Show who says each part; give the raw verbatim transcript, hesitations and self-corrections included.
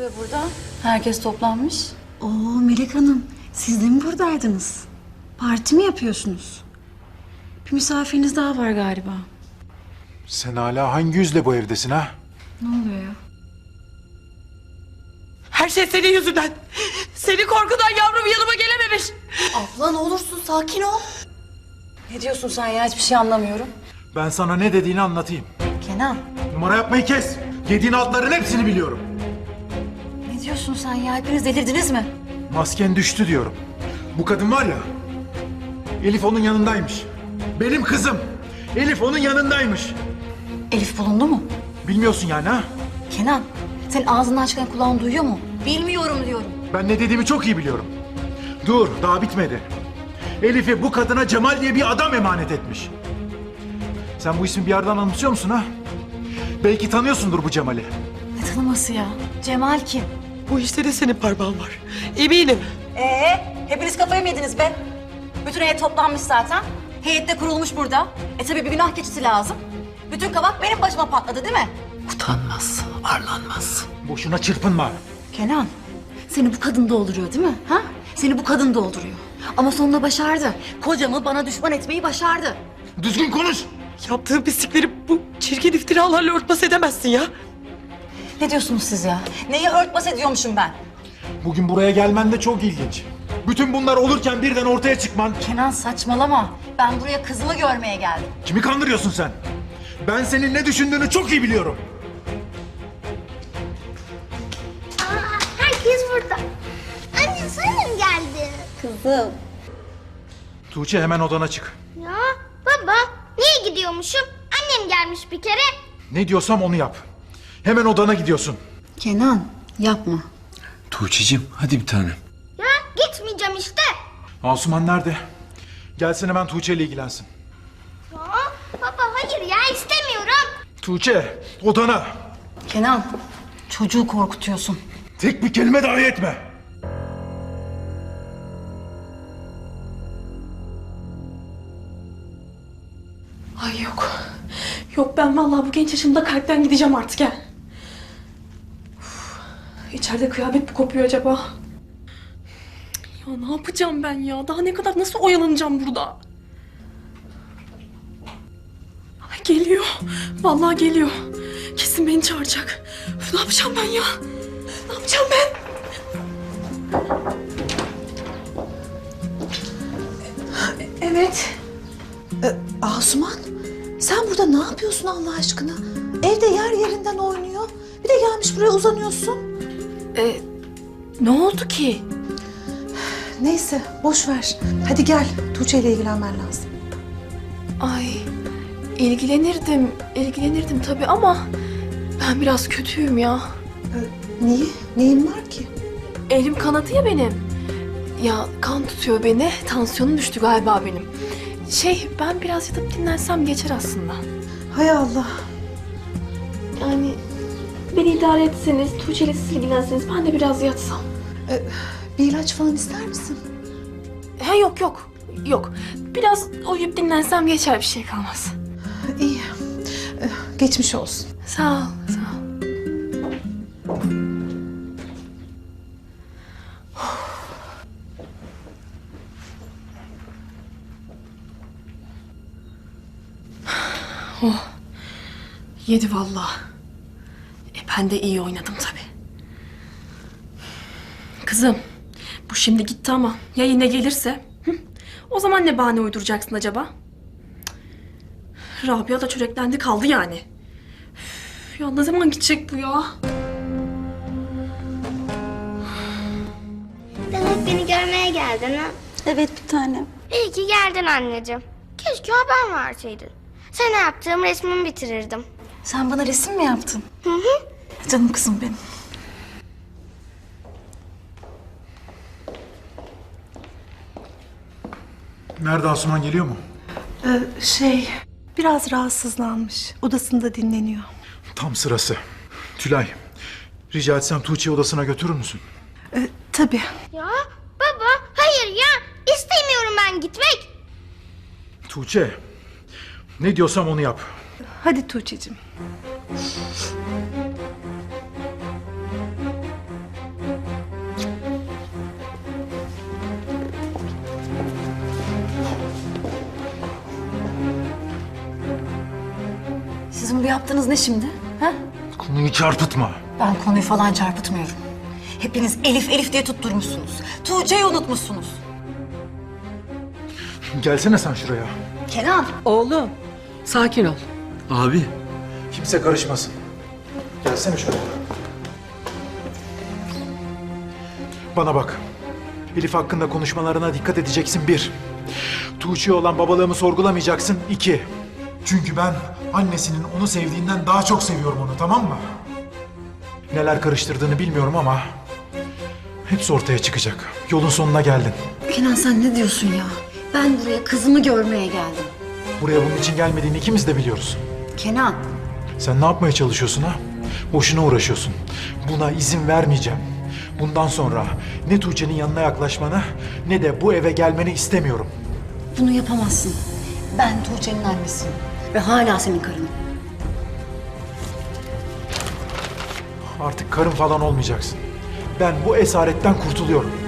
Speaker 1: oluyor burada? Herkes toplanmış.
Speaker 2: Oo Melek Hanım, siz de mi buradaydınız? Parti mi yapıyorsunuz? Bir misafiriniz daha var galiba.
Speaker 3: Sen hala hangi yüzle bu evdesin ha?
Speaker 2: Ne oluyor ya?
Speaker 4: Her şey senin yüzünden. Senin korkudan yavrum yanıma gelememiş.
Speaker 1: Abla ne olursun sakin ol. Ne diyorsun sen ya? Hiçbir şey anlamıyorum.
Speaker 3: Ben sana ne dediğini anlatayım.
Speaker 1: Kenan,
Speaker 3: Numara yapmayı kes. Yediğin altların hepsini biliyorum.
Speaker 1: ne diyorsun sen ya? Hepiniz delirdiniz mi?
Speaker 3: Masken düştü diyorum. Bu kadın var ya, Elif onun yanındaymış. Benim kızım. Elif onun yanındaymış.
Speaker 1: Elif bulundu mu?
Speaker 3: Bilmiyorsun yani ha?
Speaker 1: Kenan, senin ağzından çıkan kulağın duyuyor mu? Bilmiyorum diyorum.
Speaker 3: Ben ne dediğimi çok iyi biliyorum. Dur, daha bitmedi. Elif'i bu kadına Cemal diye bir adam emanet etmiş. Sen bu ismi bir yerden anımsıyor musun ha? Belki tanıyorsundur bu Cemal'i.
Speaker 1: Ne tanıması ya? Cemal kim?
Speaker 4: Bu işte de senin parmağın var. Eminim.
Speaker 1: Ee, hepiniz kafayı mı yediniz be? Bütün heyet toplanmış zaten. Heyet de kurulmuş burada. E tabii bir günah keçisi lazım. Bütün kabak benim başıma patladı değil mi?
Speaker 4: Utanmaz, arlanmaz.
Speaker 3: Boşuna çırpınma.
Speaker 1: Kenan, seni bu kadın dolduruyor değil mi? Ha? Seni bu kadın dolduruyor. Ama sonunda başardı. Kocamı bana düşman etmeyi başardı.
Speaker 3: Düzgün konuş.
Speaker 4: Yaptığın pislikleri bu çirkin iftiralarla örtbas edemezsin ya.
Speaker 1: Ne diyorsunuz siz ya? Neyi örtbas ediyormuşum ben?
Speaker 3: Bugün buraya gelmen de çok ilginç. Bütün bunlar olurken birden ortaya çıkman.
Speaker 1: Kenan saçmalama. Ben buraya kızımı görmeye geldim.
Speaker 3: Kimi kandırıyorsun sen? Ben senin ne düşündüğünü çok iyi biliyorum.
Speaker 5: Aa, herkes burada. Anne sen mi geldin?
Speaker 1: Kızım.
Speaker 3: Tuğçe hemen odana çık.
Speaker 5: Ya baba niye gidiyormuşum? Annem gelmiş bir kere.
Speaker 3: Ne diyorsam onu yap. Hemen odana gidiyorsun.
Speaker 2: Kenan, yapma.
Speaker 6: Tuğçe'cim hadi bir tanem.
Speaker 5: Ya gitmeyeceğim işte.
Speaker 3: Asuman nerede? Gelsin hemen Tuğçe ile ilgilensin.
Speaker 5: Ya baba hayır ya istemiyorum.
Speaker 3: Tuğçe, odana.
Speaker 1: Kenan, çocuğu korkutuyorsun.
Speaker 3: Tek bir kelime dahi etme.
Speaker 7: Ay yok. Yok ben vallahi bu genç yaşımda kalpten gideceğim artık ya. Uf, İçeride kıyamet mi kopuyor acaba? Ya ne yapacağım ben ya? Daha ne kadar nasıl oyalanacağım burada? Ay geliyor. Vallahi geliyor. Kesin beni çağıracak. Üf, ne yapacağım ben ya? Ne yapacağım ben? Evet.
Speaker 2: Asuman, sen burada ne yapıyorsun Allah aşkına? Evde yer yerinden oynuyor. Bir de gelmiş buraya uzanıyorsun.
Speaker 7: Ee, ne oldu ki?
Speaker 2: Neyse, boş ver. Hadi gel, Tuğçe ile ilgilenmen lazım.
Speaker 7: Ay ilgilenirdim, ilgilenirdim tabii ama ben biraz kötüyüm ya.
Speaker 2: Niye? Neyin var ki?
Speaker 7: Elim kanadı ya benim. Ya kan tutuyor beni, tansiyonum düştü galiba benim. Şey ben biraz yatıp dinlensem geçer aslında.
Speaker 2: Hay Allah.
Speaker 7: Yani beni idare etseniz, Tuğçe ile siz ilgilenseniz ben de biraz yatsam.
Speaker 2: Bir ilaç falan ister misin?
Speaker 7: He yok yok, yok. Biraz uyuyup dinlensem geçer bir şey kalmaz.
Speaker 2: İyi. Ee, Geçmiş olsun.
Speaker 7: Sağ ol, sağ ol. Oh, yedi vallahi. E ben de iyi oynadım tabii. Kızım, bu şimdi gitti ama ya yine gelirse? Hı? O zaman ne bahane uyduracaksın acaba? Cık. Rabia da çöreklendi kaldı yani. Üf, ya ne zaman gidecek bu ya?
Speaker 5: Demek beni görmeye geldin ha?
Speaker 2: Evet bir tanem.
Speaker 5: İyi ki geldin anneciğim. Keşke haber verseydin. Sana yaptığım resmimi bitirirdim.
Speaker 1: Sen bana resim mi yaptın?
Speaker 5: Hı hı.
Speaker 1: Canım kızım benim.
Speaker 3: Nerede Asuman, geliyor mu?
Speaker 2: Ee, şey, biraz rahatsızlanmış. Odasında dinleniyor.
Speaker 3: Tam sırası. Tülay, rica etsem Tuğçe'yi odasına götürür müsün?
Speaker 2: Ee, tabii.
Speaker 5: Ya baba hayır ya istemiyorum ben gitmek.
Speaker 3: Tuğçe, ne diyorsam onu yap.
Speaker 2: Hadi Tuğçe'cim.
Speaker 1: yaptığınız ne şimdi? Ha?
Speaker 3: Konuyu çarpıtma.
Speaker 1: Ben konuyu falan çarpıtmıyorum. Hepiniz Elif Elif diye tutturmuşsunuz. Tuğçe'yi unutmuşsunuz.
Speaker 3: Gelsene sen şuraya.
Speaker 1: Kenan.
Speaker 4: Oğlum sakin ol.
Speaker 6: Abi.
Speaker 3: Kimse karışmasın. Gelsene şuraya. Bana bak. Elif hakkında konuşmalarına dikkat edeceksin bir. Tuğçe'ye olan babalığımı sorgulamayacaksın iki. Çünkü ben annesinin onu sevdiğinden daha çok seviyorum onu, tamam mı? Neler karıştırdığını bilmiyorum ama hepsi ortaya çıkacak. Yolun sonuna geldin.
Speaker 1: Kenan sen ne diyorsun ya? Ben buraya kızımı görmeye geldim.
Speaker 3: Buraya bunun için gelmediğini ikimiz de biliyoruz.
Speaker 1: Kenan.
Speaker 3: Sen ne yapmaya çalışıyorsun ha? Boşuna uğraşıyorsun. Buna izin vermeyeceğim. Bundan sonra ne Tuğçe'nin yanına yaklaşmanı ne de bu eve gelmeni istemiyorum.
Speaker 1: Bunu yapamazsın. Ben Tuğçe'nin annesiyim. Ve hala senin karınım.
Speaker 3: Artık karın falan olmayacaksın. Ben bu esaretten kurtuluyorum.